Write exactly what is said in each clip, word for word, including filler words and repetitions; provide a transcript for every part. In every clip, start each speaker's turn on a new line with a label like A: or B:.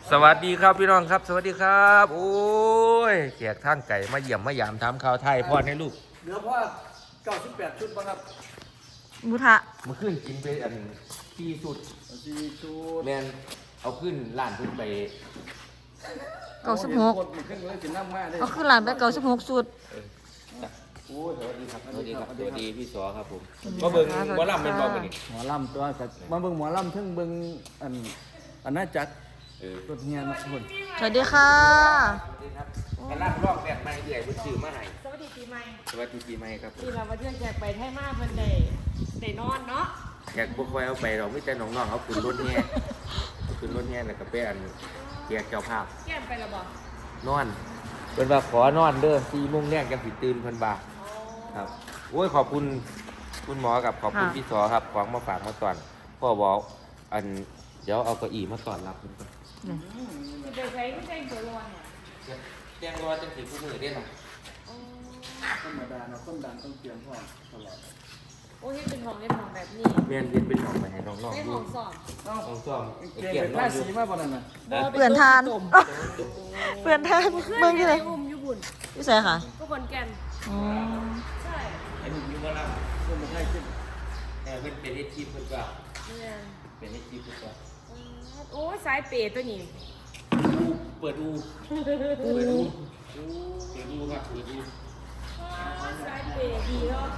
A: สวัสดีครับพี่น้องครับสวัสดีครับโอ้ยแขกทางไก่มาเยี่ยมมายามถามข่าวไทยพ่อให้ลูก
B: เหลือพ่อเก้าสิบแปดชุดป่ะครับ
C: หมูทะ
A: มาขึ้นกินไปอันที่สุด
B: สี่ชุด
A: แมนเอาขึ้นร้านขึ้นไป
C: เก้าสิบหกเอาขึ้นหลานไปเก้าสิบหกสุด
A: โอ้ยสวัสดีครับสวัสดีครับสวัสดีพี่สอครับผมมาเบิ่งหมอลำเป็นบอกกันนี่
B: หมอลำตัวกับมาเบิ่งหมอลำทั้งเบิ่งอันอันน่าจัดตัวเฮียนะทุกคน
C: สวัสดีค่ะ
A: สวัสดีครับกำลังรอบแบบใหม่เดือยเพิ่นซื้อมาให้
D: สวัสดีปีใหม่
A: สวัสดีปีใหม่ครับ
D: ที่เรามาเที่ยวแจกไปไทยมากเพิ่นได้ได้นอนเนาะ
A: แขกบ่ค่อยเอาไปเราไม่แต่น้องๆเอาขึ้นรถแห่ขึ้นรถแห่แล้วก็ไปอันแจกเจ้าภาพ
D: แก้มไปแล้วบ่
A: นอนเพิ่นว่าขอนอนเด้อสี่โมงแรกจังสิตื่นเพิ่นว่าครับโอ้ยขอบคุณคุณหมอกับขอบคุณพี่สอครับของมาฝากมาตอนพ่อบอกอันเดี๋ยวเอาเก้าอี้มาตอนรับคุณก่อน
D: คือไปใช้ไม่ใช่ตัวรอน
A: เนี่ยแจ้งรอจังสิผู้มือได้หรอ
B: ธรรมดาเนาะคนดังต้องเตรียมพร้อมตลอด
D: โอ้ยเป็นห้องเล่นห้องแบบนี้
A: เรียนเรียนเป็นห้องไปให้น้องๆ
D: เป็น
A: ดู
D: ห้องสอบ
A: ห้องสอบ
B: เกี่ยวกับราศีมาบ่นั่นน่ะ
C: เปลี่ยนทานเปลี่ยนทานเมืองที่ไหน
D: อุ้มอยู่บุญ
C: ที่ไหนค่ะ
D: ก็ขอนแก่น
C: อ๋อ
D: ใช่
A: ไอ้หนุ่มอยู่บ่ล่ะ
B: เพิ่นบ่ให้ขึ้น
A: แต่เป็นเป็นเอทีเพิ่นว่า
D: เนี่ย
A: เป็นเอทีเพิ่นว่า
D: โอ้ยสายเปย์ตัวนี้
A: เปิดอูเปิดอูเปิดอูครับเปิดอู
D: สายเปย์ดีเนาะ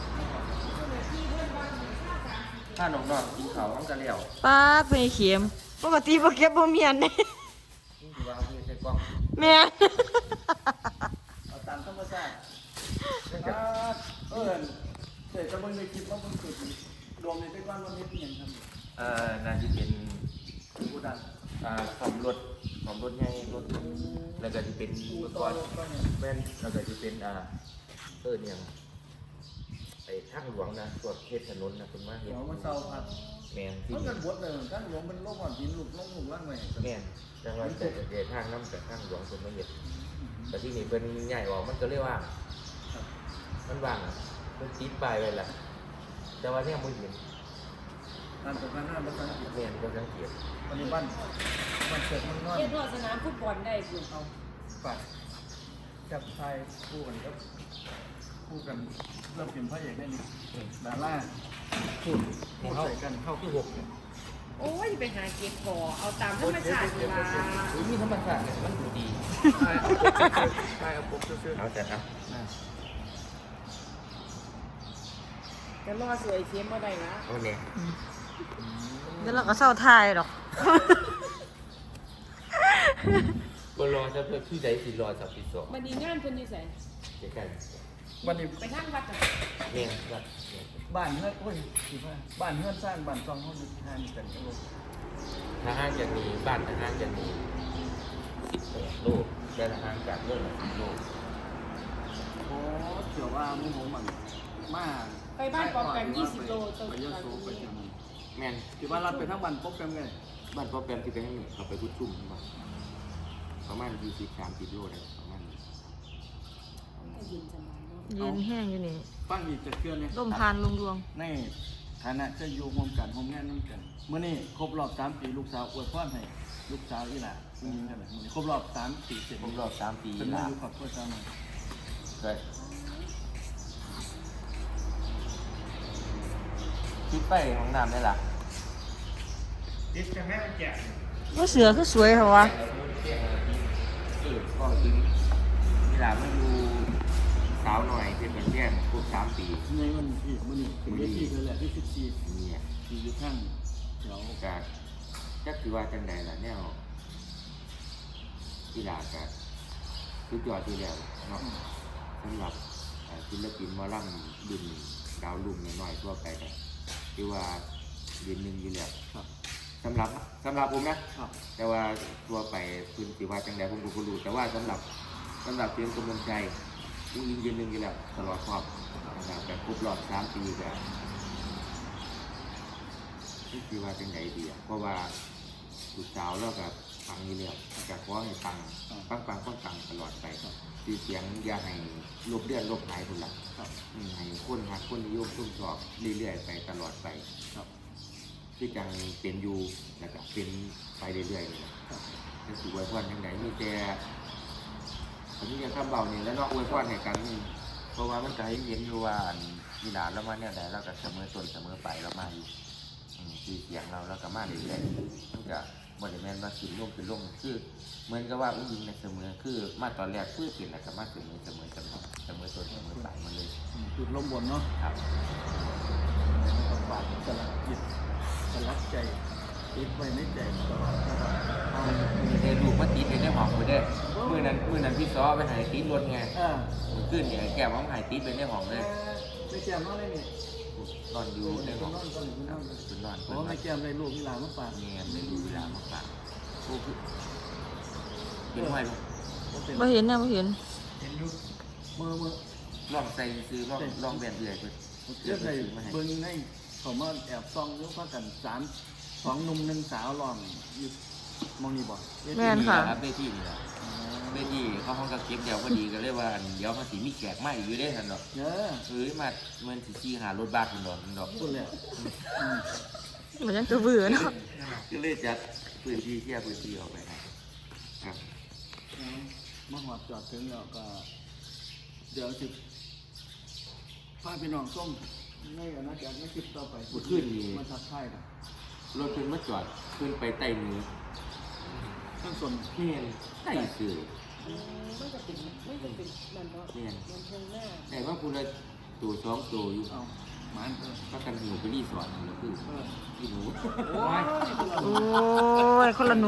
A: ถ้าน้องๆกินข้าวมันก็แล้ว
C: ป้าเป็นเข็มปกติบ่เก็บบ่เมียนเด้
A: นี่คือว่าคือใช้กล้อง
C: แม่
B: เอาตามธรรมชาติเออเสร็จจะเบิ่งในคลิปว่าเพิ่นเกิดรวมในเป็นวันวันนี้เป็นหยังครับ
A: เอ่อน่าจะเป็น
B: ผู้ดัง
A: อ่าซ่อมรถซ่อมรถใหญ่รถแล้วก็จะเป็นอุปกรณ์แม่นแล้วก็จะเป็นอ่าเออเนี่ยไอ้ทางหลวงนะตรวจเทศถนนนะคุณมาเห็น
B: มันเศร้าพัด
A: แม่น
B: ที่มันบดเลยทางหลวงมันโลกอ่อนดินลูกน้องหมู่ล่างไว้
A: แม่นจังหวัดแต่เดทางน้ำแต่ทางหลวงคนมาเห็นแต่ที่นี่เป็นใหญ่ออกมันก็เรียกว่ามันว่างอ่ะมันติดปลายไว้ละแต่ว่าเนี่ยมันเห็น
B: งานตกงานหน้ามันสังเกต
A: แม่นก็สังเกต
B: ปัจจุบันมันเกิดมันนอน
D: เทียบกับสนามฟุตบอลได้คุณเอา
B: ปัดจับชายคู่กันครับคู่กันเริ่มเป็นพระเอกได้นี่ดาราคู่คู่ใส่กันเข้าที่หก
D: โอ้ยไปหาเก็บก่อเอาตามธรรมชาติเวลา
A: อุ้ยมีธรรมชาติเนี่ยมันดูดี
B: ใช่ใช่เอาปุ๊บซื้อ
A: เอาแต่ครับ
D: แต่รอสวยเทียมมาได้นะ
A: โอเค
C: เดี๋ยวเราก็เศร้าทายหรอก
A: ก็รอจะเพื่อที่ใดสิรอสับปีสอง
D: วันนี้งานเพิ่นอยู่ไส
A: เจ๊กัน
B: วันนี้
D: ไปทางวัดจ้ะ
A: เนี่ยวัด
B: บ้านเฮือนโอ้ยสิว่าบ้านเฮือนสร้างบ้านซองเฮาอยู่ทางกันจังเลย
A: ทหารจะมีบ้านทหารจะมีสิบแปดโลกแต่ทหารจากเรื่องละสิบโลก
B: โอ้เกี่ยวว่ามึงผมมันมา
D: ไปบ้านปอมแปมยี่สิบโลตรงนี้
A: แม่น
B: ที่ว่ารัดไปทั้งบ้านปอมแปมไง
A: บ้านปอมแปมที่ไปให้หนึ่งเขาไปพุทชุ่มประมาณยี่สิบสามสิบโลได้ประมาณ
C: เย็นแห้งอยู่นี่
B: ฟังอีกจะเคลื่อนเนี่ย
C: ลมพานลงดวง
B: ในฐานะจะอยู่ร่วมกันร่วมงานร่วมกันเมื่อนี้ครบรอบสามปีลูกสาวอวยพรให้ลูกสาวอีหล่าจริงๆกันเลยครบรอบสามปีเสร็จ
A: ครบรอบสามปี
B: เป็นมาอยู่ขอบคุณเจ้าหน่อย
A: เคยคิดไปของน้ำได้ละ
B: ดิสจะแม่แจก
C: ว่าเสือคือสวยเหรอวะ
A: เออก็จริงเวลาไม่ดูสาวหน่อยเป็นเหมือนแย่ครบสามปี
B: ในวันที่มันนี่เป็นที่คือแหละที่สิบสี่
A: เนี่ย
B: ที่อยู่ข้างเดี๋ยว
A: ก็จะคือว่าจังใดล่ะแนวกีฬาก็สุดยอดที่แล้วเนาะสำหรับศิลปินมอลำดุนดาวลุ่มน้อยๆทั่วไปก็ที่ว่าเดือนหนึ่งอยู่แล้วสำหรับสำหรับผมนะแต่ว่าทั่วไปคุณสิว่าจังใดผมก็รู้แต่ว่าสำหรับสำหรับเพียงกำลังใจผู้ยิงเดือนหนึ่งอยู่แล้วตลอดครอบนะครับแต่ครบรอบสามปีก็ที่สิว่าจังใดดีเพราะว่าลูกสาวแล้วกับฟังอยู่แล้วจะขอให้ฟังฟังฟังฟังฟังตลอดไปคือเสียงอย่าให้ลบเลือดลบหายคนละให้คนหักคนนิยมชุ่มชอบเรื่อยๆไปตลอดไปที่จังเป็นอยู่แล้วก็เป็นไปเรื่อยๆเลยจะสิอวยพรจังไดมีแต่ผมนี่ยังคำเบานี่แล้วเนาะอวยพรให้กันนี่เพราะว่ามันก็ให้เห็นอยู่ว่าอันมีหลานแล้วมาเนี่ยใดเราก็เสมอต้นเสมอไปแล้วมาอยู่อืมคือเสียงเราแล้วก็มาเรื่อยๆมันก็บ่ได้แม่นว่าสิลงคือลงคือเหมือนกับว่าอุ้งยิงในเสมอคือมาตอนแรกคือเป็นแล้วก็มาเสมอเสมอเสมอเสมอต้นเสมอปลายมาเลย
B: จุดล้มบนเนาะ
A: ครับ
B: ฝากสลักจิตสลักใจติดไว้ในใจตลอดนะครับเอา
A: มีเทลูกมาติดในห้องไปเด้อมื้อนั้นมื้อนั้นพี่ซ้อไปหายติดรถไง
B: อ่า
A: มื้อคืนเนี่ยแก้วมันหายติดไปในห้องเลย
B: ไม่แก้มนอนได้นี่
A: นอนอยู่ในห้อง
B: นอนก็น
A: ค
B: อ
A: รับ
B: น
A: คือนอน
B: เพ
A: เพิ่น
B: ราะ
A: มา
B: ไม่แก้มได้ลูกที่หลานมาฝาก
A: เงียบในดูเวลามาฝากผู้คือเป็นห้อยลูก
C: บ่เห็นนะบ่เห็น
B: เห็นอยู่มือมือ
A: ลองใส่ซื้อลองลองแบนเอื่อยเพิ่น
B: เรื่องในเบิ้งในเขามาแอบซองหรือว่ากันสามสองหนุ่มหนึ่งสาวลองอยู่มองนี่บ่
C: แม่นค่ะ
A: ครับเวทีนี่แหละเวทีเขาห้องกับเก็บเดียวพอดีก็เลยว่าเดี๋ยวมันสิมีแขกมาอีกอยู่ได้ทันดอก
B: เยอะ
A: เอ้ยมามันสิขี่หารถบัสทันดอกทันดอก
B: พูดเลยอืม
C: มันยังจะเบื่อเนาะ
A: ก็เลยจัดพื้นที่เคลียร์พื้นที่ออกไปให้ครับ
B: เอามาหอดจอดถึงแล้วก็ เดี๋ยวสิพาพี่น้องส้มในอนาคตไม่คลิปต่อไป
A: เมื่อคืนนี้
B: มาทักทายกัน
A: รถเพิ่นมาจอดขึ้นไปใต้มือ
B: ทั้งส่วน
A: เพียนใต้สื่อ
D: มันจะเป็นมันจะเป็นนั่นเนาะ
A: เพียน
D: มันเชิงหน้า
A: แต่ว่าคุณละตัวสองตัวอยู่
B: เอาหมันเออ
A: ก็กันหิวไปรีสอร์ทแล้วคือ
B: เออ
A: พี่หนู
B: โอ้ย
C: โอ้ยคนละหนู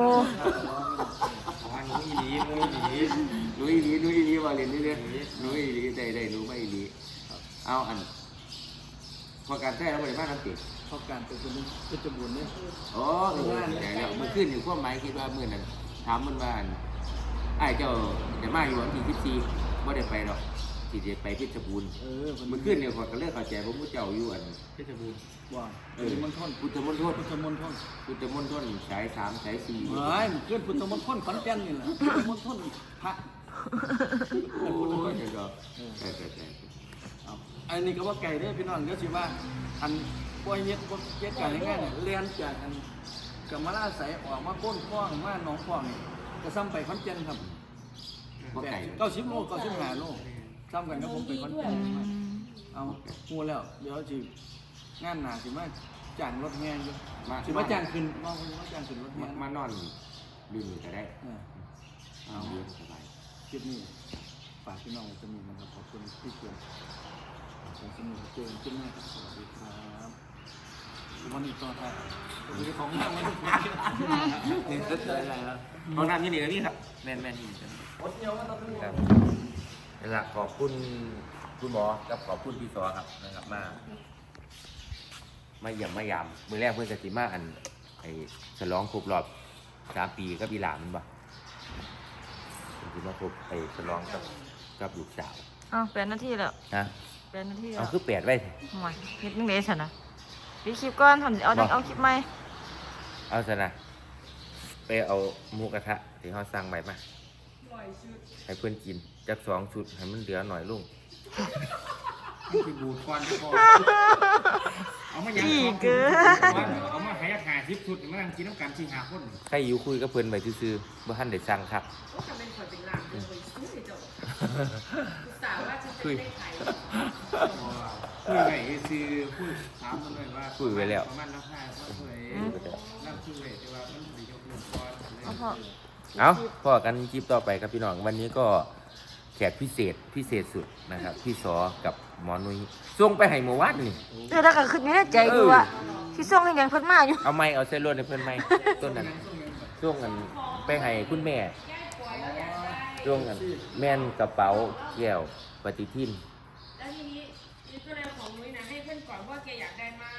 A: หนูอีหลีหนูอีหลีหนูอีหลีหนูอีหลีว่าเรียนเรื่อยๆหนูอีหลีได้ได้หนูไม่อีหลีเอาอันพอการแท้เราบริมาน้ำติด
B: เพราะการเป็นคนนึงก็จะบุญเนี่ย
A: อ๋อเออแต่แล้วเมื่อคืนอยู่ความหมายคิดว่าเมื่อนั้นถามมันว่าอันไอ้เจ้าจะมาอยู่วันที่สิบสี่ไม่ได้ไปหรอกที่จะไปเพชรบูรณ์
B: เออ
A: เมื่อคืนเนี่ยขอยก็เลิกเข้าใจว่าผู้เจ้าอยู่อันเพชรบูรณ์
B: ว่า
A: เอ
B: พุท
A: อ
B: ธมณฑล
A: พุทธมณฑล
B: พุทธมณฑล
A: พุทธมณฑลสายสามสายสี่
B: เฮ้ยมันขึ้นพุทธมณฑลขอนแก่นนี่แหละพุทธมณฑลพระ
A: โอ้ยเดี๋ยวก็ใช่ใช่ใช่
B: เอาอันนี้ก็ว่าไก่เด้อพี่น้องก็สิว่าอันบ่เฮ็ดบ่เฮ็ดกันง่ายๆเนี่ยเรียนจากอันกับมาลาใสออกมาโพ้นพ้องมาหนองพ้องนี่ก็ซ้ำไปขอนแก่นครับ
A: ว่าไก่
B: เก้าสิบโลเก้าสิบห้าโลซ้ำกันกับผมไปขอนแก่น
C: อืม
B: เอาฮู้แล้วเดี๋ยวสิงานหน้าสิมาจ้างรถแห่อยู่
A: มา
B: สิมาจ้างขึ้นมองสิมาจ้างขึ้นรถแห่
A: มานอนดูนี่ก็ได้
B: เออ
A: เอาเรื่องสบาย
B: คลิปนี้ฝากพี่น้องไว้จะมีนะครับขอบคุณที่เชียร์ขอบคุณที่เจอกันขึ้นหน้าครับสวัสดีครับวันนี้ต่อท้ายวันนี้ของนั่งวันนี้
A: นี่ก็เจออะไรแล้วห้องน้ำที่นี่ก็นี่ครับแม่นแม่นที่นี่
B: อดเดียวก็ต้องขึ้น
A: ครับนี่ละขอบคุณคุณหมอกับขอบคุณพี่สอครับนะครับมามาเยี่ยมมายามมือแรกเพื่อนกติมาอันไอ้ฉลองครบรอบสามปีกับอีหลานมันบ่คือมาครบไอ้ฉลองกับกับลูกสาว
C: อ้าวแปดนาทีแล้ว
A: นะ
C: แปดนาทีแล้
A: เอา
C: ว
A: คือแปดไว้
C: ห่วยเฮ็ดจังได๋ซั่นน่ะปิดคลิปก่อนทำเอาจังเอาคลิปใหม่
A: เอาซะนะไปเอาหมูกระทะที่เขาสั่งไว้มาให้เพื่อนกินจากสองชุดให้มันเหลือหน่อยลุง
E: คือบูดควันที่คอเอามายัง
C: อีกเกิน
E: เอามาให้หาทิพย์สุดมานั่งกินน้ำกันสี่หาคน
A: ใครอยู่คุยกับเพื่อนไปซื่อๆบ่ทันได้สั่งครับ
D: ก็จะเป็นคนเป็นหลังเป็นคนสู้เจ้าสาวว่าจะจะได้ขาย
E: คุยไงคือคุยถามมันเลยว่าประมาณน้ำผ้าว่าคุยน้ำคุยแต่ว่ามันถึงจะบูดควัน
C: เอาพอ
A: เอาพอกันคลิปต่อไปครับพี่น้องวันนี้ก็แขกพิเศษพิเศษสุดนะครับ พี่สอกับหมอนุ้ยส่งไปให้หมู่วัดนี่
C: เออถ้าก็คิดอยู่ในใจอยู่ว่าสิส่งให้หยังเพิ่นมาอยู่
A: เอาไม้เอาเส้นลวดให้เพื่อนไหมต้นนั้นส่งกันไปให้คุณแม่ส่งกันแม่นกระเป๋าแก้วปฏิทิน
D: แล้วทีนี้นี่ก็เลยของนุ้ยนะให้เพื่อนก่อนว่าแกอยากได้มาก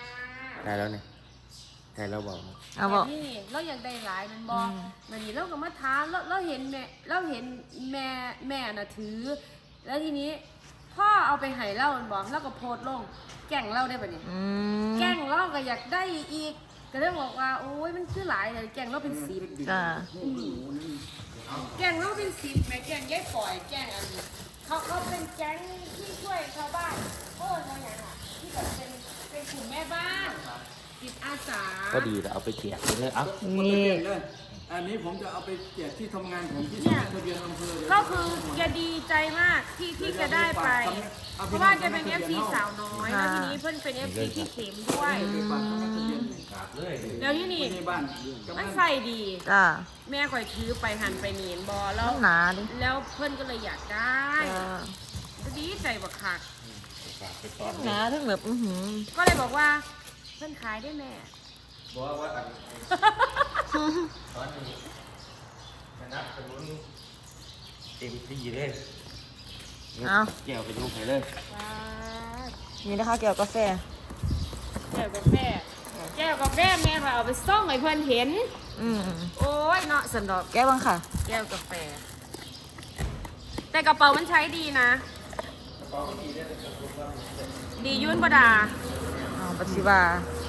A: ได้แล้วเนี่ยได้แล้วบอก
C: เอาบ่
D: นี่เราอยากได้หลายมันบอก
C: อืม
D: มันนี่เราก็มาท้าเราเราเห็นแม่เราเห็นแม่แม่น่ะถือ แล้วทีนี้พ่อเอาไปให้เรามันบอกแล้วก็โพสต์ลงแกล้งเราได้ปะเนี่ย
C: อืม
D: แกล้งเราก็อยากได้อีกก็เลยบอกว่าโอ้ยมันคือหลายเลยแกล้งเราเป็นสิบ
C: จ้า
D: แกล้งเราเป็นสิบแม่แกล้งยายปล่อยแกล้งอันนี้เขาเขาเป็นแก๊งที่ช่วยชาวบ้านโอ้ยอะไรอย่างอ่ะที่แบบเป็นเป็นกลุ่มแม่บ้านจิตอาสา
A: ก็ดีแล้วเอาไปแจกเลยเอา
C: นี่
B: เลยอันนี้ผมจะเอาไปแจกที่ทำงานของที่สำนักทะเบียนอำเภอ
D: ก็คือแกดีใจมากที่ที่จะได้ไป เพราะว่าแกเป็น เอฟ ซี สาวน้อยแล้วทีนี้เพื่อนเป็น เอฟ ซี ที่เข็มด้วย
B: ไปฝากสำนักทะเบียน
A: ครับเลย
D: แล้วที่นี่
B: ในบ้าน
D: มันใส่ดี
C: จ้า
D: แม่ข่อยถือไปหันไปเนียนบอแล้ว
C: มันหนาดิ
D: แล้วเพื่อนก็เลยอยากได้
C: จ้า
D: ก็ดีใจบักคัก
A: ฝากไปตอน
C: หนาทั้งแบบอื้อหือ
D: ก็เลยบอกว่าเพื่อนขายได้แม่
A: บอกว่าอันตอนนี้ชนะสมุนเต็มที่เลย
C: เอา
A: แก้วไปยกไปเลย
D: ว้า
C: นี่นะคะแก้วกาแฟ
D: แก้วกาแฟแก้วกาแฟแม่ข่อยเอาไปส่องให้เพื่อนเห็น
C: อืม
D: โอ้ยเนาะสันดอก
C: แก้วบ้างค่ะ
D: แก้วกาแฟ แต่กระเป๋ามันใช้ดีนะ ดียุ่นประดา
C: เอาปัจจิบา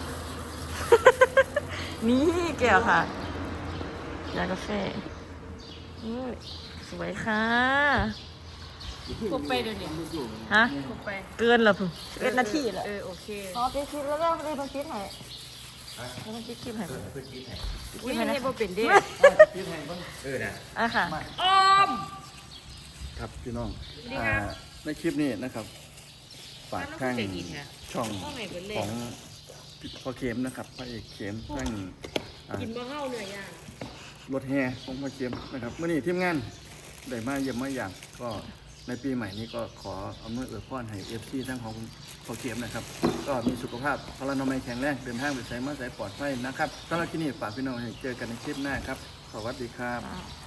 C: นี่แก้วค่ะยากาแฟอุ้ยสวยค่ะ
D: ครบไปเดี๋ยวนี้
C: ฮะ
D: ครบไป
C: เกินเหรอพึ่งเอ็ดนาทีเหรอ
D: เออโอเค
C: อ๋อไปคลิปแล้วก็ไปบันทึกให้ไปบันทึกคลิปให้
A: เพื่อคิดให้
D: อุ้ยให้บ่เป็นเด้
B: พี่ไทยบ้าง
A: เออนะ
C: อ่ะค่ะ
D: อ้อม
B: ครับพี่น้อง
D: สวัสดีครับ
B: อ่าในคลิปนี้นะครับฝากข้างช่อง
D: ต้องไหนเบิดเลย
B: ของพ่อเข็มนะครับพระเอกเข็มข้างอ่า
D: กินบ่เฮาเหนื่อยย่าง
B: รถแห่ของพ่อเข็มนะครับเมื่อนี้ทีมงานได้มาเยี่ยมมาอย่างก็ในปีใหม่นี้ก็ขอเอาเมื่อเอื้อพรให้เอฟซีทั้งของพ่อเข็มนะครับ ก็มีสุขภาพพลานามัยแข็งแรงเดินทางไปใช้มาใช้ปลอดภัยนะครับสำหรับที่นี่ฝากพี่น้องให้เจอกันในคลิปหน้าครับสวัสดีครับ
C: อ่า